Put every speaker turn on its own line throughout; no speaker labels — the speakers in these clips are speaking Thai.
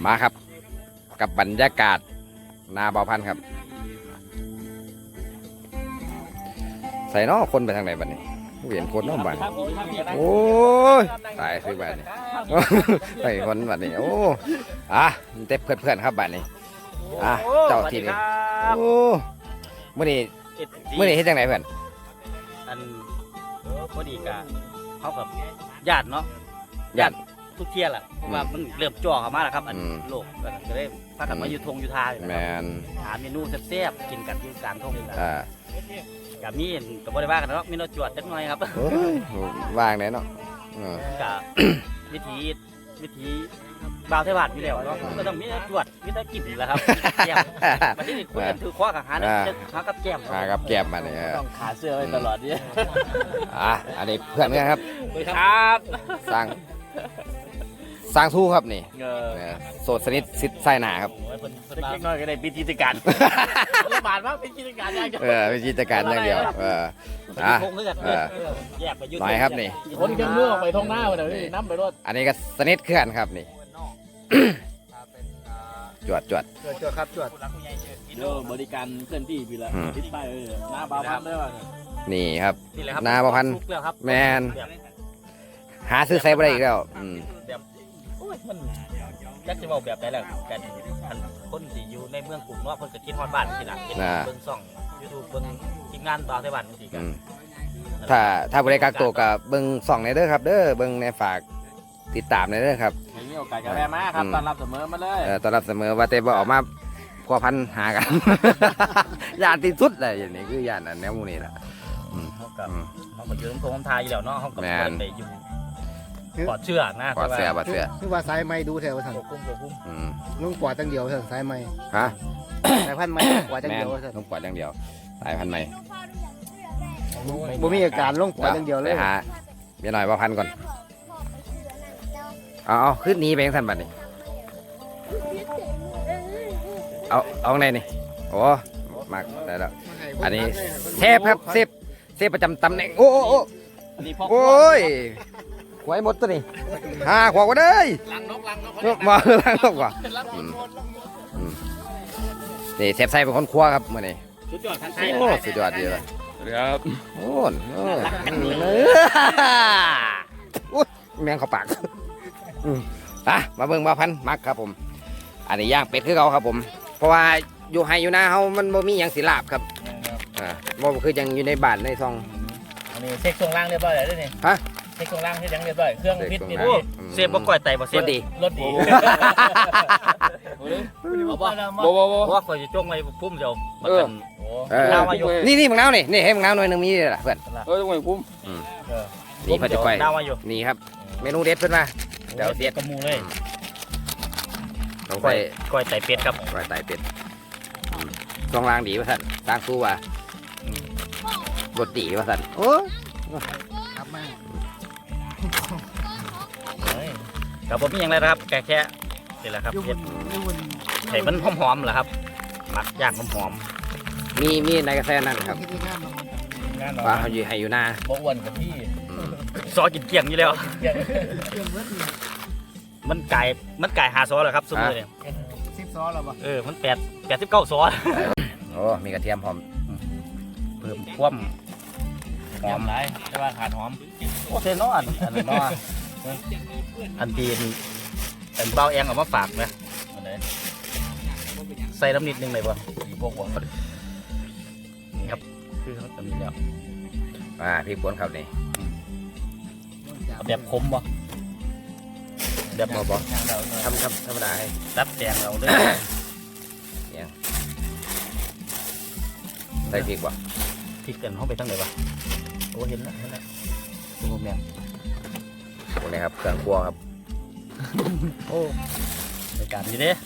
มาครับกับบรรยากาศนาเบาพันธุ์ครับใส่นอคนไปทางไหนบ้านี้เห็นคนน้องบ้านโอ้ยตายซื้อบ้านนี้ไปคนบ้านนี้โอ้เต็มเพื่อนครับบ้านนี้เจ้าที่นี่โอ้เมื่อนี้เฮ็ดจังไหนเพื่อน
อันพอดีกะเขากับญาติเนาะญาติทุกเที่ยแหละเพราะว่ามันเริ่มจ่อเข้ามาแล้วครับอันโลกก็ได้พากันมาอยู่ทงอยู่ทาแม
น
หาเมนูแซ่บๆกินกันอยู่กลางทงกับมีกับบริวารกันเนาะมีเราจวดจักหน่อยครับ
ว่างไหนเนาะ
กับวิธีบ่าวเทวาอยู่แล้วเนาะก็ต้องมีจวดมีแต่กินแหละครับแก้มมาที่นี่คุยกันถือคว้ากับหากับแก้ม
กับแก้มมาเนี่ย
ต้องขาเสื้อไว้ตลอดเนี่ย
อันนี้เพื่อนกันครับ
ครับ
สร้างทู่ครับนี่โสดสนิทซิดไส้หนาครับ
เล็กน้อยก็ได้เป็นกิจการระบาดว่าเป็นกิจการอย่างเดียว
เป็นกิจการอย่างเดียวหน่อยครับนี่
คนกันเมื่อไปท้องหน้าเลยน้ำไปรถ
อันนี้ก็สนิทเขื่อนครับนี่จวด
ครับจวดบริการเคลื่อนที่พี่ละทิศใต้หน้าบาพันได้ป่ะ
นี่ครับหน้าบาพันแมนหาซื้อใส่ไปได้อีกแล้ว
มันยักจะบอกแบบไหนแหละกันคนที่อยู่ในเมืองกลุ่มว่าคนจะคิดฮอดบ้านที่ไหนเป็นเบิ้งซ่องยูทูบเบิ้งทีมงานต่อไต้หวันสิกัน
ถ้าบริการตัวกับเบิ้งซ่องในเด้อครับเด้อเบิ้งในฝากติดตามในเด้อครับ
มีโอกาสกับแม่มาครับต้อนรับเสมอมาเลย
ต้อนรับเสมอว่าเต้บอกออกมาพัวพันหากันญาติที่สุดเลยอย่างนี้คือญาติแนวมูนี่แหละ
เขากับยืนทงทายอยู่แล้วเนาะเขากับไปอยู่ปอดเชื่อนะ
ปอดเสือ
คือว่าสายไม้ดูแถวท่านลุงปอดตั้งเดียวท่านสายไม้สายพันธุ์ไม้ปอดตั้งเดียวท่าน
ลุงปอดตั้งเดียวสายพันธุ์ไม้
บ่มีอาการลุงปอดตั้งเดียวเลย
หาเมียหน่อยว่าพันก่อนเอาขึ้นนี้ไปยังท่านบัดนี้เอาไงนี่โอ้มากได้แล้วอันนี้เทปครับเซฟประจำตำแหน่งโอ้ยหวยหมดตัวนี้ขวบก็ได้
ลังนก
มาลังนกว่ะนี่เซฟใส่เป็นคนครัวครับมื่อนี้
สุดยอดทันที
สุดยอดดีเลย
ครับ
โอ้แมงเข้าปากมาเบิ่งมาพันมักครับผมอันนี้ย่างเป็ดคือเขาครับผมเพราะว่าอยู่ไฮอยู่นาเขามันบ่มีอย่างศิลาบครับบ่คือยังอยู่ในบ้านในซอง
อันนี้เช็คตรงล่างเรียบร้อยแล้วนี่
ฮะ
เช็คตรงล่างที่ยังเรียบร้อยเครื่องพิษนี่เซฟบ่ก่อยไตบ่เซฟรถดีว่าคอยจะจ้องไว้พุ่มเดียว
นี่มึงน้าวนี่ให้มึงน้าวหน่อยนึงมีเลยล่ะเพื่อน
จ้องไว้พุ่ม
นี่พอจะก่อยนี่ครับเมนูเด็ดเพื่อนมา
เดี๋ยวเด็ดกระมูเลย
ต้องใส่
ก้อยไตเป็ดครับ
ก้อยไตเป็ดซองล่างดีป่ะท่านสร้างสู้ว่ะรถดีป่ะท่านโอ้
ครับแม่
กับผมมีอย่างไรนะครับแค่นี่แหละครับเห็ดไข่มันหอมๆเหรอครับหมักย่างหอม
มีในกระแสนั่นครับว่าเขาอยู่ให้อยู่หน้า
บกวันกับที่ซอกินเกี่ยงอยู่แล้วมันไก่หาซอเลยครับซุ้มเลย
10 ซอแล้วป่ะ
มัน89 ซอ
โอ้มีกระเทียมหอม
เพิ่มความหอมไรแต่ว่าขาดหอมโอ้เซนอนอันนี้นออันตีนอันเบาแองออกมาฝากนะใส่น้ำนิดนึงเลยบ่พวกนี่ครับคือเขาจะมีแล้ว
พี่ปวนครับนี่
แบบคมบ่แบบ
บ่ทำธรรมดาให้
ตัดแตงเราด้วย
ใส่พริกบ่
พริกกันเข้าไปตั้งไหนบ่โอ้เห็นแล้วดูแมง
พวกนี้ครับเครื่องครัวครับ
โอ้ในการนี้เด้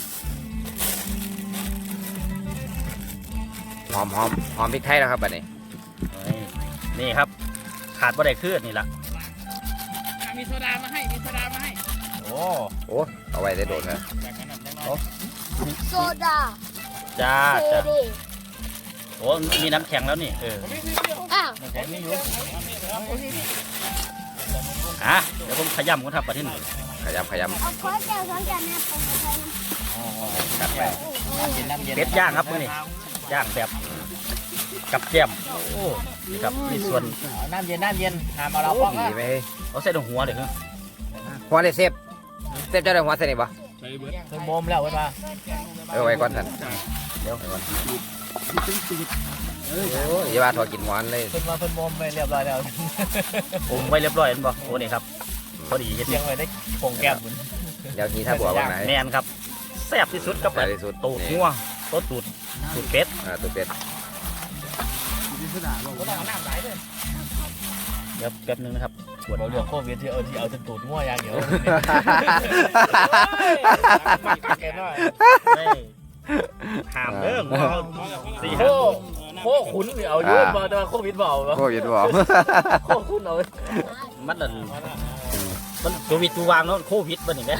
หอมพริกไทยแล้วครับแบบนี้
นี่ครับขาดบ่ได้คือนี่ละ
มีโซดามาให้
โอ้
เอาไว้ได้โดนนะ
โซดา
จ้าโอ้มีน้ำแข็งแล้วนี่น้ำแข็งนี่อยู่เดี๋ยวผมขย้ำก่อนครับประเทศนี้
ขยำ
เอาขอแก้วสองแก้วแม่ปรุงไปนะ
กัดไป
เป็ดย่างครับมื้อนี้ย่างแบบกับแก้มโอ้นี่ครับมีส่วน
น้ำเย็นหามเอาเราป้อง
ดีไหม
เอาใส่ตรงหัวเด้อ
หัวเลยเซฟเจ้าได้หัวใส่นี่ปะ
เคยโมมแล้วเว้ยมา
ไว้ก่อนท่านเดี๋ยวไว้ก่อนโอ้ยอย่าว่าถอดกินหวานเลย
เพิ่นมาเพิ่นโมมไปเรียบร้อยแล้ว
ปรุงไว้เรียบร้อยแล้วบ่โอ้นี่ครับพอดีเฮ็ด
เลี้ยงไว้ได้ผงแก้มเหมือน
เดี๋ยวนี้ถ้าบัวว่าไหน
แม่นครับแซ่บที่สุดครับ
แซ่บที่สุด
ตูดงัวตูดเป็ด
ตัวเป็ด
เดี๋ยวแป๊บนึงนะครับ
เราเรื่องโควิดที่เอาจนตูดง่วอย่างเดียวแกน้อย
ได้ห้ามเด้องัวสี่
โค
ห้า
ขุนหรือเอายุ่งมาแต่ว่าโควิดเบา
โควิดบอก
โคขุนเอา
มันนั่นมันโควิดตัววางเนาะโควิดมันนี่แหละ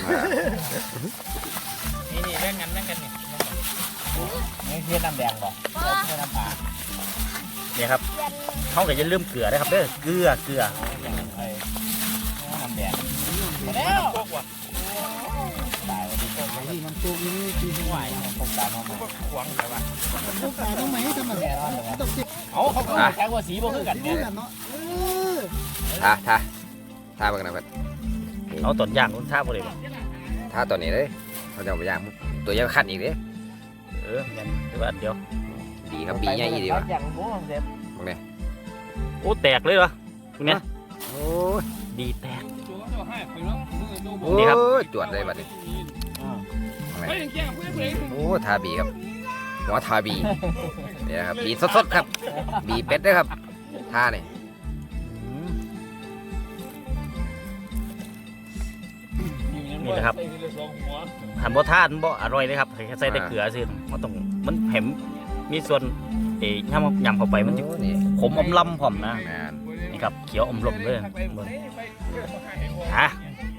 นี่เล่นกันนี่นี่เพี้ยนน้ำแดงบ่เพี้ยนน้ำปลา
เนี่ยครับเขาก็จะลืมเกลือนะครับเด้อเกลือ
น้ำแดงแล้วพวกว่ะตายที่มันตัวนี้ที่ไหวพวกตาน้องมาหวังแต่ว่าพวกตาน้องไหมทำไมเอาเขาแค่ว่าสีบ่คือกันเนี่ย
ท่าเบิ่งนะเพื่อน
เอาต้นย่างต้นท่าบ่ได้บ่
ท่าตัวนี้เลยเขาจะเอาไปย่างตัวยังขั้นอีกเลย
งั้นแต่ว่าเดี๋ยว
บีครับบีใหญ่ดีวะ
อย่างบ่เสร็จ
พวกนี้
โอ้แตกเลยวะตรงเนี้ย
โอ้ย
ดีแตก
โอ้
นี่ครับ
ยจวดเลยบัดนี้โอ้ทาบีครับหัวทาบีเนี่ยครับบีสดๆครับ บีเป็ดด้วยครับท่านี่
นี่แหละครับหันบ่ทานบ่อร่อยเลยครับแค่ใส่แต่เกลือซื่อมันต้องมันแผมมีส่วนยำเข้าไปมันจะ
โอ้นี่
ขมอมลำพร้อมนะ
แมน
นี่ครับเขียวอมลมเลยฮะ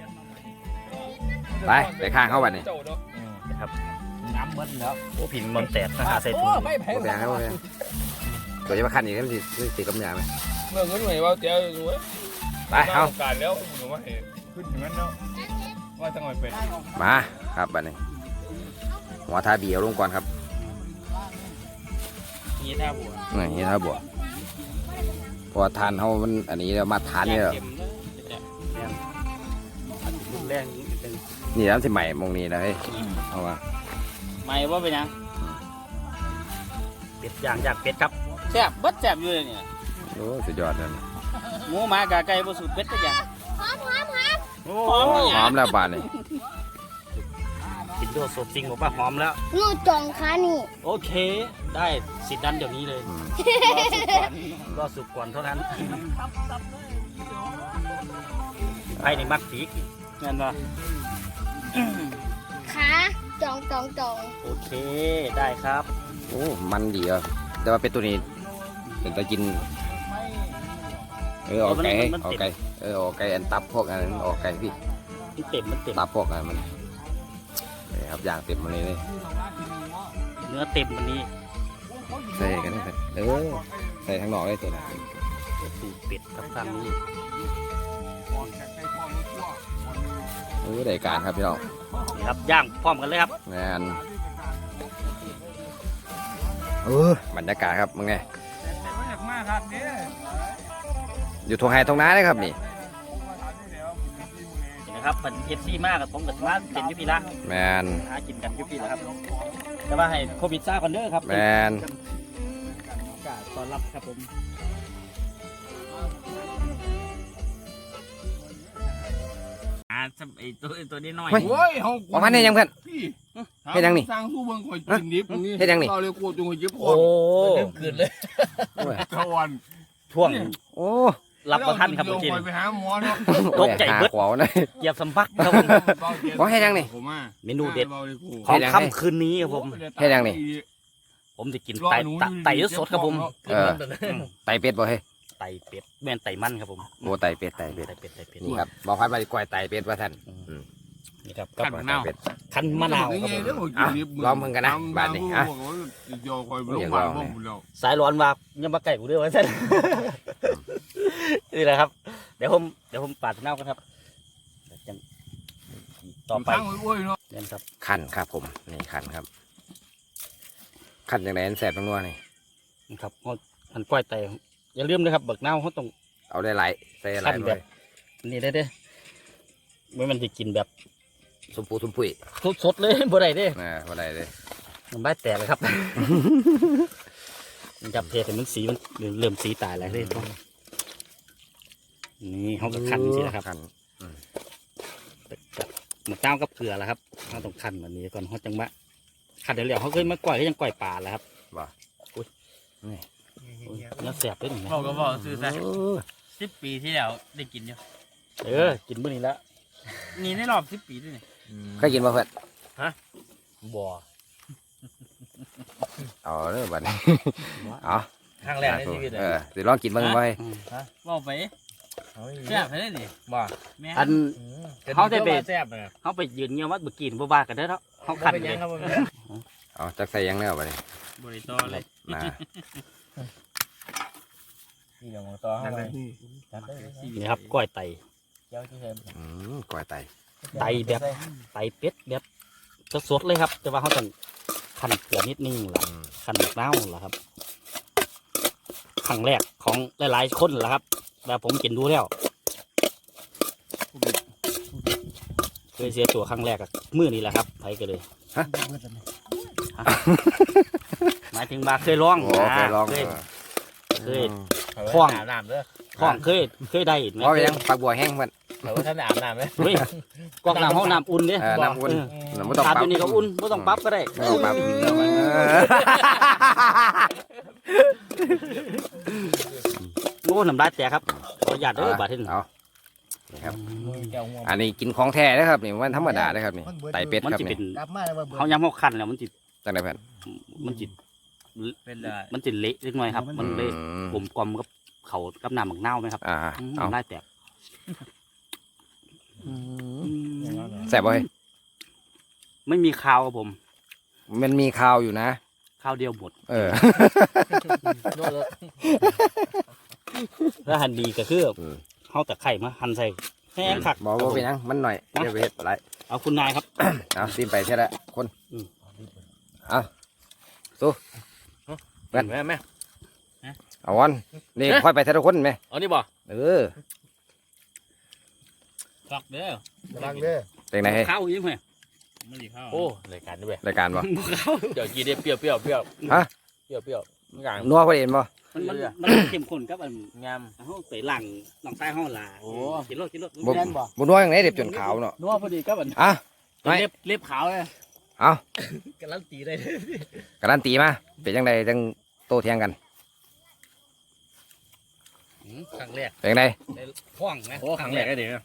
ไปข้างเข้าบัดนี้
นะครับ
น้ำมันแล้ว
โอ้ผิงมันแตกนะหาใส่ถุง
โอ้แพงครับโอ้แพงตัวจะมาขั้นอีกนี่มันสิกับยาไหม
เมื่อเงินหน่วยว่าเจ้าอยู่
ไปเอา
การแล้วหนูว่าเห็นขึ้นอย่างนั้นเนาะว่าจะหน่อยเป็น
มาครับบัดนี้หัวทาบีเอาลงก่อนครับ
นี่ท่าบัว
นี่ถ้าบวกเพราะว่าทานเขามันอันนี้เรามาทานเนี่ย
รุนแรงนิดนึง
นี่น้ำสิใหม่มองนี้นะเฮ้ยเอามา
ไม่ว่าเป็นยังเป็ดย่างจากเป็ดครับแซ่บเบิดแซ่บอยู่เลยเนี่ย
โอ้สุดยอดเลย
หมูหมากาไก่บ่สูตรเป็ดก็อย่าง
หอม
โอ้
หอมแล้วบานนี่
กินโดดสดจริงบอกว่าหอมแล้ว
งูจองขานี่
โอเค ได้สิทธิ์นั้นเดี๋ยวนี้เลย
อืม
รอสุกก่อนเท่านั้นไอ้นี่มักปีกเงินป่ะ
ขาจอง
โอเคได้ครับ
โอ้มันดีอ่ะแต่ว่าเป็นตัวนี้เป็นตะกินออกไก่ให้ออกไก่ออกไก่อันตับพวกอันนั้นออกไก่พี่
มันเต็มมันเต็ม
ตับพวกอันมันนี่ครับอย่างเต็มมาเลยเลย
เนื้อเต็มวันนี้
ใส่กันนะครับใส่ทั้งนอกเลยตัวนั้น
สูตรเป็ดครับทางนี้
โอ้ได้การครับพี่น้อง
นี่ครับย่างพร้อมกันเลยครับ
งานบรรยากาศครับมึงไง
มากครับเนี่ย
อยู่ทงไฮทงน้าเลยครับนี่
นี่นะครับเป็นเอฟซีมากกับผมกับมาเป็นยุพีละ
แมน
หากินกันยุพีละครับแต่ว่าให้โควิดซ่าก่อนเด้อครับ
แมน
ตอนรับครับผมไอตัวนี้น้อย
โอ้ยเขา
ออกมาเนี่ยยังเพื่อน
พี่
เฮ็ดยังนี่
สร้างสู้เบิ่งคอยกินดิบตรงนี้
เฮ็ดยังนี่
เราเลยกลัวจงหยิบค
โอ้
น
เกินเลย
ตะวัน
ช่วง
โอ้
รับประทานครับเมื่อกี้
คอยไปหาหมอเนาะ
ตกใจเบิด
หาขวาวเลย
เหยียบสัมผัสครับผม
ว่าเฮ็ดยังนี่
ผมอ่ะ
เมนูเด็ด
บาลยกู
ของค่ำคืนนี้ครับผม
เฮ็ดยังนี่
ผมจะกินไไต่สดครับผม
ไตเป็ดบ่เฮ้ย
ไต่เป็ดแม่นไต่มันครับผม
โอ้ไตเป็ดไตเป็ด
ไต่เป็ด
นี่ครับบอกพัดไปกล้วยไตเป็ดว่าท่าน
นี่ครับ
กล้วยไตเป็ด
คันมะนาวครับผม
ลองมึงกันนะบาดนี้อ่ะ
โยคอยลงมาบ่ผมแล้ว
สายร้อนว่ายังมาไก่กูด้วยวะเส้นนี่แหละครับเดี๋ยวผมปาดเน่ากันครับจังต่อไป
อุ้ยเนาะ
เล่นครับ
ขันครับผมนี่ขันครับขันอย่างไรอันแสบทั้งนัวนี่
นี่ครับเขาอันก้อยไตอย่าลืมนะครับเบิกเน่าเขาต้อง
เอาได้หลายใส่หลาย
ขัน
ห
แบ
น่อบ ย
นี่ได้เด้ไม่มันจะกินแบบ
สมปูสมปุย
สดๆเลยบ่ได้เด้
พอได้เลย
มันใบแตกเลยครับ มันจับเทแต่มันสีมันเริ่มสีตายแล้วเลยนี่เขาก็ขันสินะครับ
ขัน
มันเต้ากับเกลือแล้วครับเขาต้องขันแบบนี้ก่อนเขาจังมะขันเดี๋ยวเขาเคยมาก่อยก็ยังก่อยปลาแล้วครับ
บ่นี่
เนื้อแสบด้วยนี่
บอกก็บอกซื้อซะ
เออ
10 ปีที่แล้วได้กินอยู่
กินมื้อนี้แล้ว
นี่ในรอบ10 ปีด้วยนี่
เคยกินบ่เพื่อน
บ่อ
เอาเด้อบัดนี้เอา
ครั้งแรกในชีวิตเลย
สิลองกินเบิ่งไว้
บอกไปแซ่บเลยนี่บ่แม่
อัน เขาได้ไป
แซ่บเลย
เขาไปยืนเงี้ยวัดบุกินบ่บากันได้อเนาะเขาขันเลย
เอาจักใส่หยังแน่บัดนี้
บริโตเลย
นะ
นี่เดี๋ยวต่อให้ไป
นี่ครับก้อยไต
เจ้าที่เห็น
กล้วยไต
ไตแบบไตเป็ดแบบสดๆเลยครับ แต่ว่าเขาต้องขันเกลือนิดนึงล่ะขันเน่าล่ะครับครั้งแรกของหลายๆคนล่ะครับแต่ผมกินดูแล้วเคยเสียตัวครั้งแรกอะมื้อนี้แหละครับไปกันเลยหมายถึงบาเคยร้อง
โอ้เคยลอง
เคย
ห้องอาบน้ำเด้อ
ห้องเคยได้ไหม
เพราะยังปักบัวแห้งมัน
เขาว่าท่านอาบน้ำไหม
เฮ้ยกอกน้ำห้องน้ำอุ่นเนี่ย
น้ำอุ่นไม่ต้อง
อาบ
ปรั
อบ ยู่นี่ก็อุ่นไม่ต้องปรั๊บก็ได้
ไม่ต้องปรับ
โอ้น้ำลายแตกครับขออนุญาตเด้อบาดเท่น
เอานี่ครับ
แก้วง่วง
อันนี้กินของแท้นะครับนี่มันธรรมดานะครับนี่ไตเป็ด
มัน
ครับ
จะเป็
นี่
น
กลับมาแล้วว่า
เขาย้ำเขาคันแล้วมันจะ
จังไดเพื่อน
มันจะ
เป็นได้
มันจะเละเล็กน้อยครับ มันเลยกลมกลมกับเขากับน้ำหมักเน่าไหมครับ
เอา
น้ำลายแตก
แซ่บบ่เฮ้ย
ไม่มีคาวครับผม
มันมีข้าวอยู่นะ
คาวเดียวหมด
เออ
ถ้าหั่นดีก็คือเขาแต่ไข่มาหั่นใส่แห้งคัก
บอกว่าเป็นหยังมันหน่อยเดี๋ยวไปเฮ็ดไร
เอาคุณนายครับ
เอาซีมไปเท่าละคน
อืม
เอาสู้
แม่แม่
เอาวันนี่ค่อยไปเท่าละคนไหม
เอานี่บ่
เออ
ฟักเด้อ
ลังเด้อ
เป็นไงเฮ้ย
ข้าวยิ้มไหม
ไม่ดีข้าว
โอ้รายการด้วย
รายการบ่
เดี๋ยวกินได้เปรี้ยวเปรี้ยวเปรี้ยว
ฮะ
เปรี้ยวเปรี้ยวงาน
นัวพอดีเห็นบ่
มันเข้มข้นครับอัน
งาม
เขาใส่หลังหลังใต้ห้องลา
โอ้
กินรถกินรถ
บ่บ่นัวอย่างไหนเด็บจนขาวเนาะ
นัวพอดีครับอัน
อ่ะ ไม่
เล็บขาวเลย
เอา
การันตีได้เลย
การันตีมาเป็นจังไดจังโตเถียงกัน
ครั้งแรก
เป็นจังได
พ่วงนะ
โอ้ครั้งแรกได้เดี๋ยว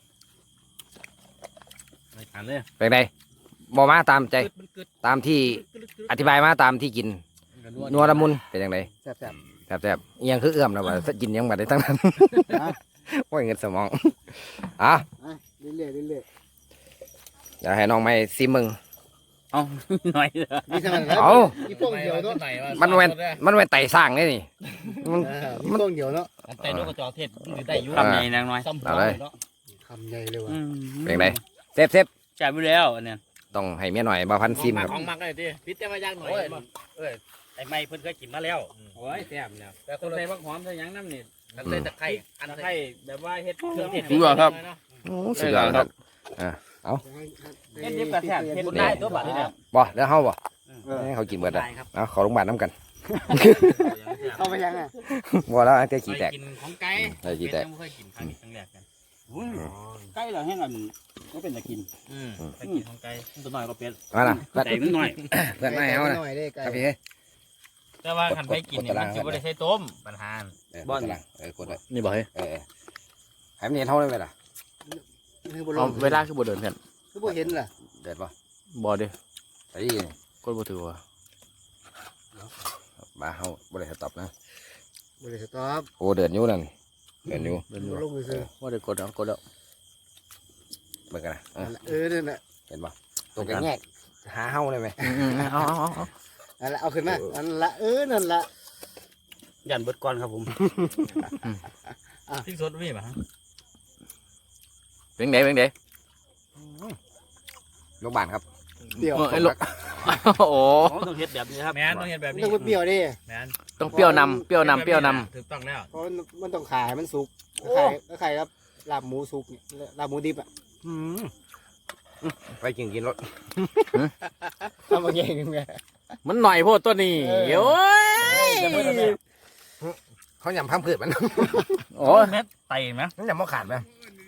รายการเลย
เป็นจังไดบ่มาตามใจ
มันกึด
ตามที่อธิบายมาตามที่กินนัวละมุนเป็นจังได
แซ่บ
แซ่บๆอีหยังคือเอื้อมนะว่ากินหยังบัดได้ทั้งนั้น โอ้ยเงินสมองอ่ะ
ๆเรื่อยๆเรื่อย
เดี๋ยวให้น้องไม่ซิมมึง
เอาหน่อย
ๆมีสมันแล้ว
เอา
มีโป้งเดียวเนาะ
มันเว้นไต่สร้างนี่นี่มัน
มีโป้งเดียวเนาะ
แต่นกกระจอกเทศมันได้อยู่
คำ
คำ
ให
ให
ญ่
ญ่
นาน
าง ง
น้
น้
อ
อย ยซ้ำ
เอาเลย
คำใหญ่เลยว่ะ
เป็นไงเซฟ
จ่ายไปแล้วอันเนี้ย
ต้องให้เมียหน่อยบ่พันซิมครับ
ของมักเลยดิพิษแต่ว่ายากหน่อย
ไอ้ไม้เพิ่นเคยกินมาแล้ว
โอ้ยแซ่บเนี่ยแต่คนใส่ผักหอมใส่ยังน้ำนี่ใส่ตะไคร้อันตะไคร้แบบว่าเฮ็ดเครื่องเทศ
สุดยอดครับสุดยอดครับ
เฮ็ดดิบกระแทกเฮ็ดบุญได้ตัวบัดนี่เนี่ย
บ่แล้วเฮาบ่ให้เขากินเบิดอ่ะเอาขอโรงพยาบาลน้ำกัน
เข้าไปยังอ่ะ
บ่แล้วอันเตะขี้แตก
กินของไก่
ได้ขี้แตก
ไม่เคยกินครั้งนี้ครั้งแรกกัน
ใกล้แล้วแห้งอันก็เป็นตะกิน
ไปกินของไก่ตัวน้อยก็เป็น
มาล่ะเพื่อน
แต่นิดหน่อย
เพื่อนไม่เอานะ
หน่อยได้ไกล
ครับพี่เฮ้ย
แต่ว่าคันไปกินเนี่ยมันจะไม่ได้ใช้ต้มปัญหา
บ้านกดไว้
นี่บอกให้
ให้มันเห็นเท่าได้ไหมล่ะ
คือบ่ล
เอา
ง
เวลาคือบ่เดินเพื่อน
คือบ่เห็นล่ะ
เดือดป่ะ
บ่ดิ
ใส่ยี่นี่
กดบ่ถือว่า
บ้าเฮาบ่ได้สต็อปนะ
บ่ได้สต๊อป
โอ้เดือดอยู่นั่นเดือดอยู่
เดินอ
บ่
ยู่
ลงไปซื้อ
ว่าได้กดแล้วกดแล้ว
เบิ่งกันนะ
นั่นน่ะ
เห็นป่ะตัวแกแงกหาเฮาได้ไหม
เอา
นั่นละเอาขึ้นมานั่นละนั่นละ
ยันเบิดก่อนครับผม
พริกสดมีป่ะ
เป็นไงเป็นไง
ลูกบ้านครับ
เปรี้ยว
ไอ้ลูกโอ้
ผมต้องเฮ็ดแบบนี้ครับ
แม่นต้องเห็นแบบ
มัน
นี้
ต้องเปรี้ยวดิ
แม่น
ต้องเปรี้ยวนำเปรี้ยวนำเปรี้ยวน
ถูกต้องแล้ว
เพราะมันต้องขายมันสุกขายครับลาบหมูสุกเนี่ยลาบหมูดิบอ่ะ
ไปกินรถ
ทำมาเองไง
ำมันหน่อยโพดตัวนี้โอ้ย
เขาหยำพังผืดมัน
โอ้
เม็ดไตไหม
มันหยำมะขาดไหม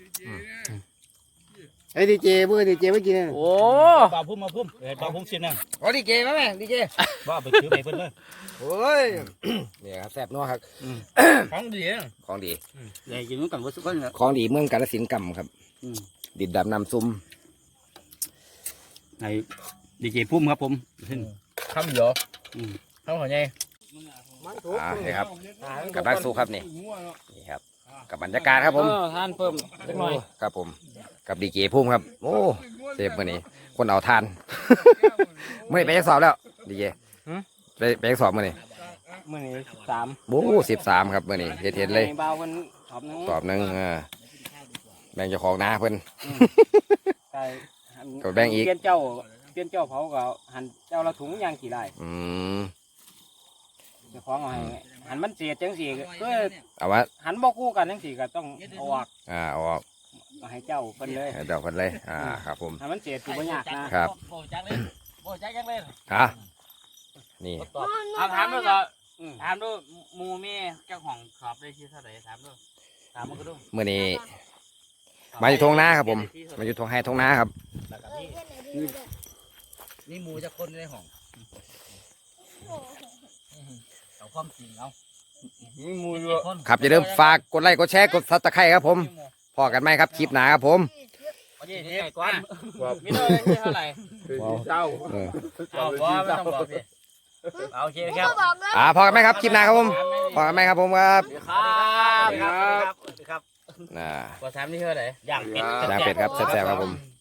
ไอ้ดีเจเพื่อนดีเจไม่กิน
โอ้
ปลาพุ่มมาพุ่มปลาพุ่มชิ้นนึง
โอ้ดีเจไหมแม่ดีเจ
ว่าไปซื้อไปเพิ่นเลย
โอ้ยเนี่ยครับแซ่บนัวครับ
ของดี
ของดี
ใหญ่กินนู้นกันว่าสุกคนเนี่ย
ของดีเมืองกาฬสินธุ์กำครับ
อืม
ดินดำน้ำซุ่ม
ในดีเจพุ่มครับผม
คำเยอะ
อืม
คำหัวใหญ่
นี่ครับกับนักสู้ครับนี่ครับกับบรรยากาศครับผม
ทานเพิ่มสักหน่อย
ครับผมกับดีเจพุ่มครับโอ้เซฟมื่อนี้คนเอาทาน มื่อนี้ไปยังสอบแล้วดีเจไปยังสอบมื่อนี้
มื้อนี้3
โอ้13ครับมื่อนี้เห็นเลย
เบาเพิ่นขอบนึง
สอบหนึงแบ่งเจ้าของนาเพิ่น
ใช่
ก็แบ่งอีก
เปลี่ยนเจ้าเผาก็หั่นเจ้าละถุงย่างกี่ได้
อืม
เจ้าของเอาให้หั่นมันเสียจังซี่ก็
เอาว่า
หั่นบ่คู่กันจังซี่ก็ต้องเอาออก
เอาออก
เอาให้เจ้าเพิ่นเลย
ให้เจ้าเพิ่นเลยครับผม
หั่นมันเสียสิบ่ยากนะครับ
โบจักเลยโบจักยังเลย
นี่
เอาถามดูก่อนถามดูหมูมีเจ้าของขอบได้ที่เท่าไหร่ถามดูถามมันก็ดู
มื่อนี้มาอยู่ทงนาครับผมมาอยู่ทงให้ทงนาครับ
นี่หมูจะคนในห้องเอาความจริงเอา
มีหมูอยู่
ครับอย่าลืมฝากกดไลค์กดแชร์กดซับสไครต์ครับผมพอกันไหมครับคลิปหน้าครับผม
นี่นี่ก่อน
มีเท่าไหร่เจ้า
เอาว่าไม่ต้องบอกพี่โอเคครับ
บอกเลย
พอกันไหมครับคลิปหน้าครับผมพอกันไหมครับผมครับ
ครับครับ
น่า
กว่า3นี่เท่าไหร่
ย่างเป็ด
ย่างเป็ดครับแซ่บๆครับผม